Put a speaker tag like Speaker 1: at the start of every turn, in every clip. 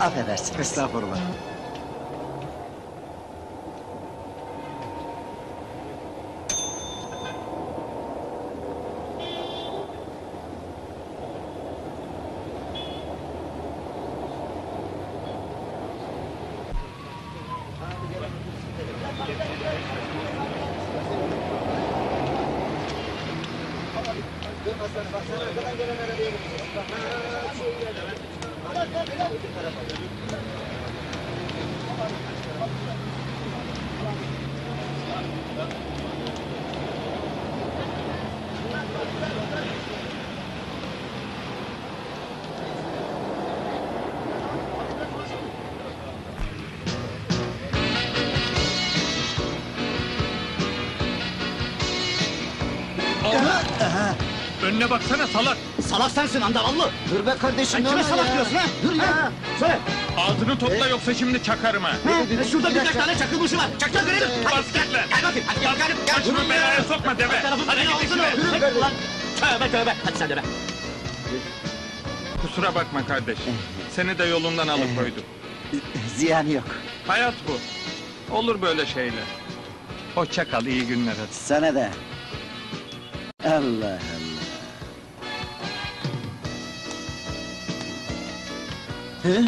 Speaker 1: Affedersiniz.
Speaker 2: Estağfurullah.
Speaker 3: Önüne baksana salak!
Speaker 1: Salak sensin andavallı. Dur be kardeşim.
Speaker 2: Kime salak diyorsun ha?
Speaker 1: Dur ya.
Speaker 2: Söyle.
Speaker 3: Ağzını topla yoksa şimdi çakarım ha!
Speaker 1: Şurada birkaç tane çakılmışı var. Çak görelim.
Speaker 3: Bas git lan!
Speaker 1: Gel bakayım. Hadi gel bakalım. Gel.
Speaker 3: Başımı belaya sokma deve! Hadi git işine!
Speaker 1: Çek ulan. Tövbe tövbe. Hadi sen de be.
Speaker 3: Kusura bakma kardeş. Seni de yolundan alıkoydum.
Speaker 1: Ziyanı yok.
Speaker 3: Hayat bu. Olur böyle şeyler. Hoşça kal, iyi günler hadi.
Speaker 1: Sana da. Allah Allah. He?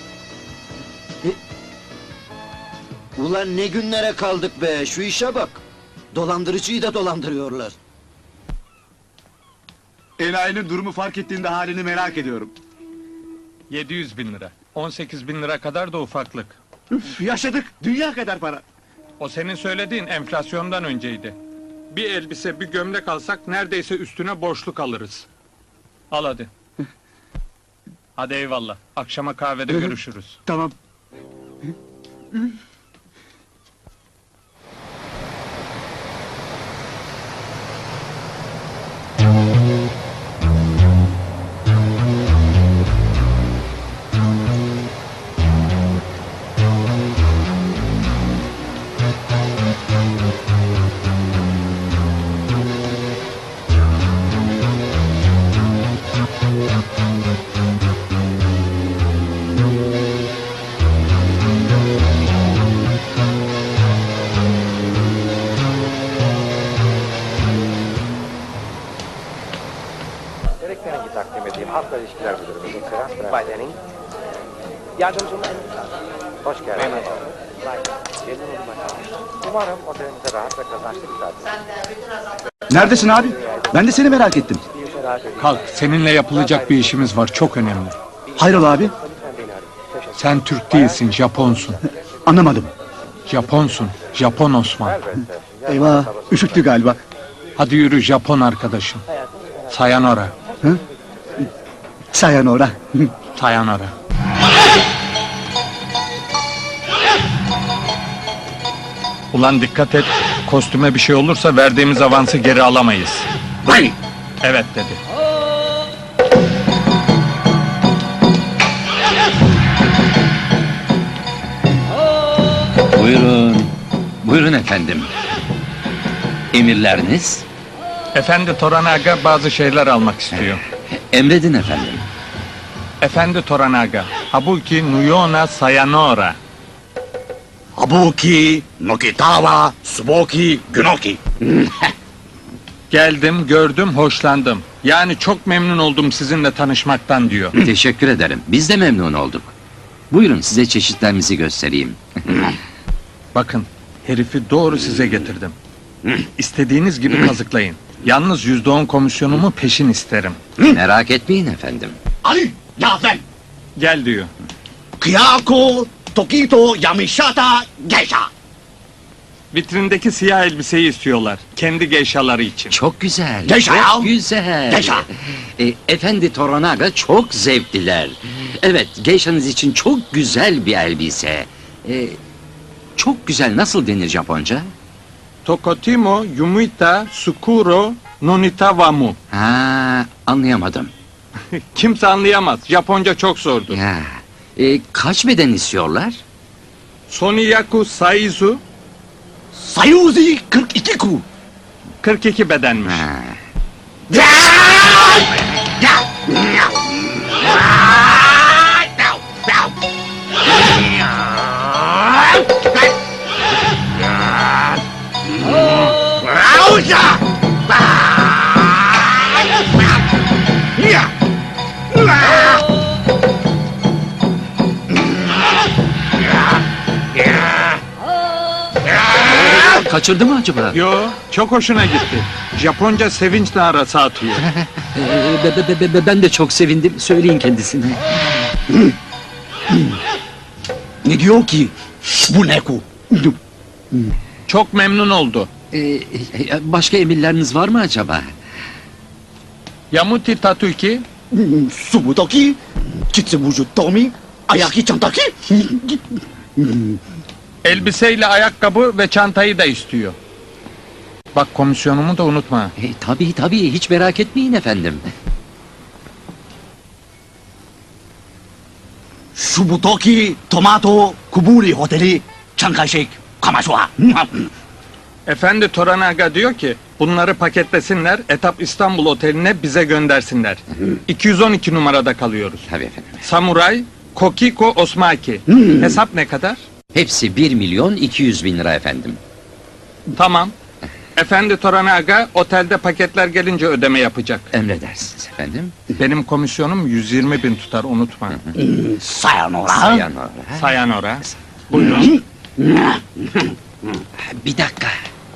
Speaker 1: Ulan ne günlere kaldık be, şu işe bak. Dolandırıcıyı da dolandırıyorlar.
Speaker 2: Enayinin durumu fark ettiğinde halini merak ediyorum.
Speaker 3: 700 bin lira. 18 bin lira kadar da ufaklık.
Speaker 2: Üf, yaşadık, dünya kadar para.
Speaker 3: O senin söylediğin enflasyondan önceydi. Bir elbise, bir gömlek alsak neredeyse üstüne borçluk alırız. Al hadi. Hadi eyvallah. Akşama kahvede görüşürüz.
Speaker 2: Tamam.
Speaker 4: Gerekli takdim edeyim. Halkla ilişkiler müdürümüz Ekselanslar. Bay Denning. Yardımcım hoş geldiniz. Memnun oldum. Umarım otelimize rahat ve kazançlı bir tatil.
Speaker 2: Neredesin abi? Ben de seni merak ettim.
Speaker 3: Kalk, seninle yapılacak bir işimiz var, çok önemli.
Speaker 2: Hayrola abi?
Speaker 3: Sen Türk değilsin, Japonsun.
Speaker 2: Anlamadım.
Speaker 3: Japonsun, Japon Osman.
Speaker 2: Eyvah, üşüttü galiba.
Speaker 3: Hadi yürü Japon arkadaşım. Sayonara,
Speaker 2: Sayonara.
Speaker 3: sayonara. Ulan dikkat et, kostüme bir şey olursa verdiğimiz avansı geri alamayız.
Speaker 2: Vay!
Speaker 3: Evet dedi.
Speaker 5: Buyurun. Buyurun efendim. Emirleriniz?
Speaker 3: Efendi Toranaga bazı şeyler almak istiyor.
Speaker 5: Emredin efendim.
Speaker 3: Efendi Toranaga, Habuki Nuyona Sayonara.
Speaker 2: Habuki, Nokitawa, Suboki, Günoki.
Speaker 3: Geldim, gördüm, hoşlandım. Yani çok memnun oldum sizinle tanışmaktan diyor.
Speaker 5: Teşekkür ederim. Biz de memnun olduk. Buyurun size çeşitlerimizi göstereyim.
Speaker 3: Bakın, herifi doğru size getirdim. İstediğiniz gibi kazıklayın. Yalnız %10 komisyonumu peşin isterim.
Speaker 5: Merak etmeyin efendim.
Speaker 2: Ali, Yazen,
Speaker 3: Gel diyor.
Speaker 2: Kiyako, Tokito, Yamishata, Geisha.
Speaker 3: Vitrindeki siyah elbiseyi istiyorlar. Kendi geyşaları için.
Speaker 5: Çok güzel.
Speaker 2: Geisha ya!
Speaker 5: Çok güzel.
Speaker 2: Geisha!
Speaker 5: Efendi Toranaga çok zevkliler. Evet, geyşanız için çok güzel bir elbise. Çok güzel, nasıl denir Japonca?
Speaker 3: Tokotimo, Yumita, Sukuro, Nonita Wamu.
Speaker 5: Ha, anlayamadım.
Speaker 3: Kimse anlayamaz. Japonca çok zordur.
Speaker 5: Ya, kaç beden istiyorlar?
Speaker 3: Soniyaku Saizu,
Speaker 2: Sayuzi 42 ku.
Speaker 3: 42 bedenmiş.
Speaker 5: Ha.
Speaker 2: Uya! Ya!
Speaker 5: Kaçırdı mı acaba?
Speaker 3: Yo, çok hoşuna gitti. Japonca sevinç narası atıyor.
Speaker 5: Ben de çok sevindim. Söyleyin kendisine.
Speaker 2: Ne diyor ki? Bu ne ku?
Speaker 3: Çok memnun oldu.
Speaker 5: Başka emirleriniz var mı acaba?
Speaker 3: Yamuti Tatuki,
Speaker 2: Subutoki, Chitsubuju Tomi, Ayaki Chantaki.
Speaker 3: elbiseyle ayakkabı ve çantayı da istiyor. Bak komisyonumu da unutma.
Speaker 5: Tabii hiç merak etmeyin efendim.
Speaker 2: Subutoki, Tomato, Kuburi Hoteli, Chankaishik, Kamasua.
Speaker 3: Efendi Toranaga diyor ki bunları paketlesinler, Etap İstanbul Oteli'ne bize göndersinler. 212 numarada kalıyoruz.
Speaker 5: Tabii efendim.
Speaker 3: Samuray, Kokiko Osmaki. Hesap ne kadar?
Speaker 5: Hepsi 1.200.000 lira efendim.
Speaker 3: Tamam. Efendi Toranaga otelde paketler gelince ödeme yapacak.
Speaker 5: Emredersiniz efendim.
Speaker 3: Benim komisyonum 120.000 tutar unutma.
Speaker 2: Sayonara.
Speaker 5: Sayonara.
Speaker 3: Sayanora. Buyurun.
Speaker 5: Bir dakika.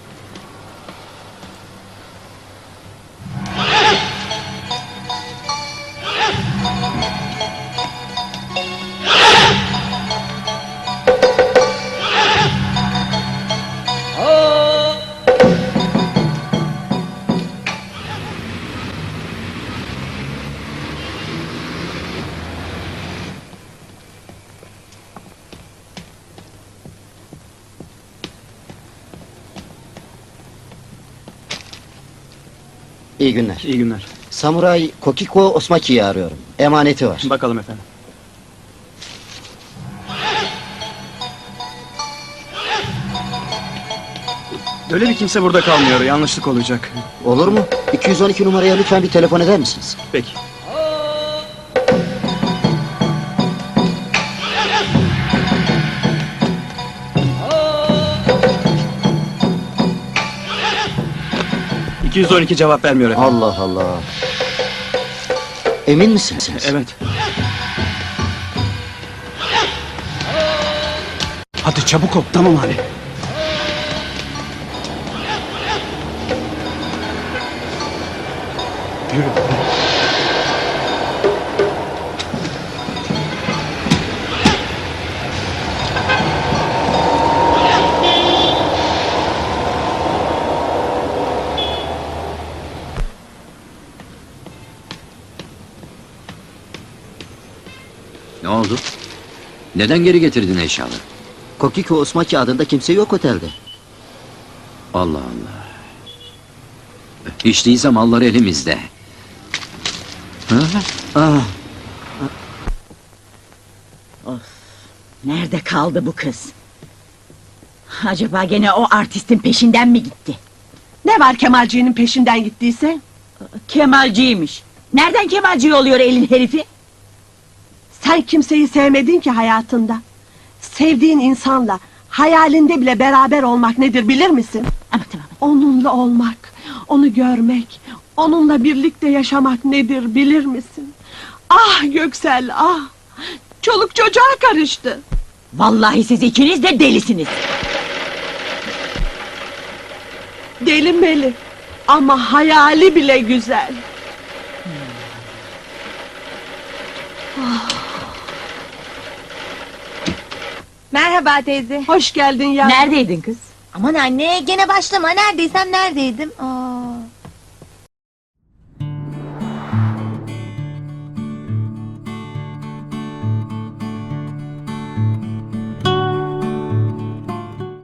Speaker 1: İyi günler.
Speaker 6: İyi günler.
Speaker 1: Samuray Kokiko Osmaki'yi arıyorum. Emaneti var.
Speaker 6: Bakalım efendim. Öyle bir kimse burada kalmıyor. Yanlışlık olacak.
Speaker 1: Olur mu? 212 numaraya lütfen bir telefon eder misiniz?
Speaker 6: Peki. ...212 cevap vermiyor efendim.
Speaker 1: Allah Allah. Emin misiniz?
Speaker 6: Evet.
Speaker 2: Hadi çabuk ol. Tamam abi.
Speaker 6: Yürü.
Speaker 5: Ne oldu? Neden geri getirdin eşyaları?
Speaker 1: Kokiko Osmaki adında kimse yok otelde.
Speaker 5: Allah Allah. Hiç değilse mallar elimizde.
Speaker 1: Ah,
Speaker 7: Nerede kaldı bu kız? Acaba gene o artistin peşinden mi gitti?
Speaker 8: Ne var Kemalci'nin peşinden gittiyse?
Speaker 7: Kemalciymiş. Nereden Kemalci oluyor elin herifi?
Speaker 8: Sen kimseyi sevmedin ki hayatında. Sevdiğin insanla hayalinde bile beraber olmak nedir bilir misin?
Speaker 7: Ama tamam.
Speaker 8: Onunla olmak, onu görmek, onunla birlikte yaşamak nedir bilir misin? Ah Göksel ah! Çoluk çocuğa karıştı.
Speaker 7: Vallahi siz ikiniz de delisiniz.
Speaker 8: Deli meli ama hayali bile güzel.
Speaker 9: Merhaba teyze.
Speaker 8: Hoş geldin ya.
Speaker 7: Neredeydin kız?
Speaker 9: Aman anne gene başlama neredeysem neredeydim. Aa.